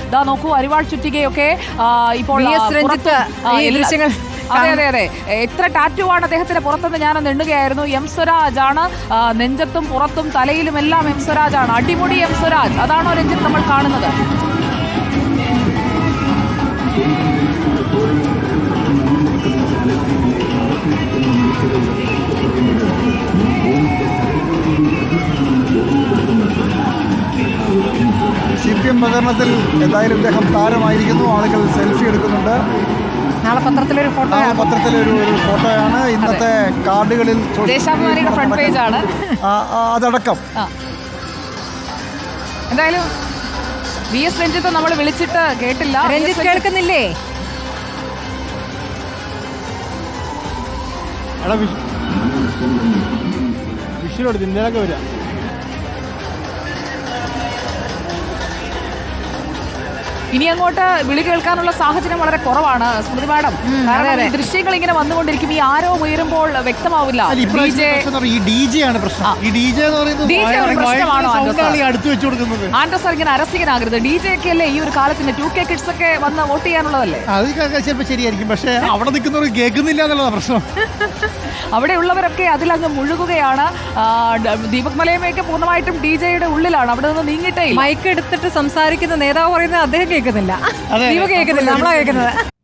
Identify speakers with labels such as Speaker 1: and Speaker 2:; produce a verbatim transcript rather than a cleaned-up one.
Speaker 1: ഇതാ നോക്കൂ, അരിവാൾ ചുറ്റികയൊക്കെ ഇപ്പോൾ
Speaker 2: ദൃശ്യങ്ങൾ.
Speaker 1: അതെ അതെ അതെ എത്ര ടാറ്റു ആണ് അദ്ദേഹത്തിന്റെ പുറത്തെന്ന് ഞാനൊന്ന് എണ്ണുകയായിരുന്നു. എം സ്വരാജ് ആണ്, നെഞ്ചത്തും പുറത്തും തലയിലും എല്ലാം എം സ്വരാജ് ആണ്. അടിമുടി എം സ്വരാജ്, അതാണോ രഞ്ജിത്ത് നമ്മൾ കാണുന്നത്?
Speaker 3: സി പി എം പ്രചരണത്തിൽ എന്തായാലും ഇദ്ദേഹം താരമായിരിക്കുന്നു. ആളുകൾ സെൽഫി എടുക്കുന്നുണ്ട്.
Speaker 2: നാളെ പത്രത്തിലൊരു ഫോട്ടോ
Speaker 3: പത്രത്തിലൊരു ഒരു ഫോട്ടോയാണ് ഇന്നത്തെ കാർഡുകളിൽ
Speaker 1: ദേശാഭിമാനിയുടെ ഫ്രണ്ട് പേജ് ആണ്
Speaker 3: അതടക്കം.
Speaker 1: എന്തായാലും വി എസ് രഞ്ജിത്ത് നമ്മൾ വിളിച്ചിട്ട് കേട്ടില്ല.
Speaker 2: രഞ്ജിത്ത് കേൾക്കുന്നില്ലേ?
Speaker 3: വിഷുവിനോട് ഇന്നലൊക്കെ വരാം.
Speaker 1: ഇനി അങ്ങോട്ട് വിളി കേൾക്കാനുള്ള സാഹചര്യം വളരെ കുറവാണ് സ്മൃതി മാഡം. കാരണം ഈ ദൃശ്യങ്ങൾ ഇങ്ങനെ വന്നുകൊണ്ടിരിക്കും. ഈ ആരോ ഉയരുമ്പോൾ വ്യക്തമാവില്ല. ആൻഡ്രസ് ഇങ്ങനെ അരസികനാകരുത്. ഡി ജെ ഒക്കെ അല്ലേ ഈ ഒരു കാലത്തിന്റെ ടു കെ കിഡ്സ് ഒക്കെ വന്ന് വോട്ട് ചെയ്യാനുള്ളതല്ലേ?
Speaker 3: അത് ചിലപ്പോൾ ശരിയായിരിക്കും, പക്ഷെ അവിടെ നിൽക്കുന്നവർ കേൾക്കുന്നില്ല എന്നുള്ളതാണ് പ്രശ്നം.
Speaker 1: അവിടെ ഉള്ളവരൊക്കെ അതിലങ്ങ് മുഴുകുകയാണ്. ദീപക് മലയമ്മയൊക്കെ പൂർണ്ണമായിട്ടും ഡി ജെയുടെ ഉള്ളിലാണ്, അവിടെ നിന്ന് നീങ്ങിയിട്ടേ.
Speaker 2: മൈക്ക് എടുത്തിട്ട് സംസാരിക്കുന്ന നേതാവ് പറയുന്നത് അദ്ദേഹം കേൾക്കുന്നില്ല, ദീപക് കേൾക്കുന്നില്ല, നമ്മളാ കേൾക്കുന്നത്.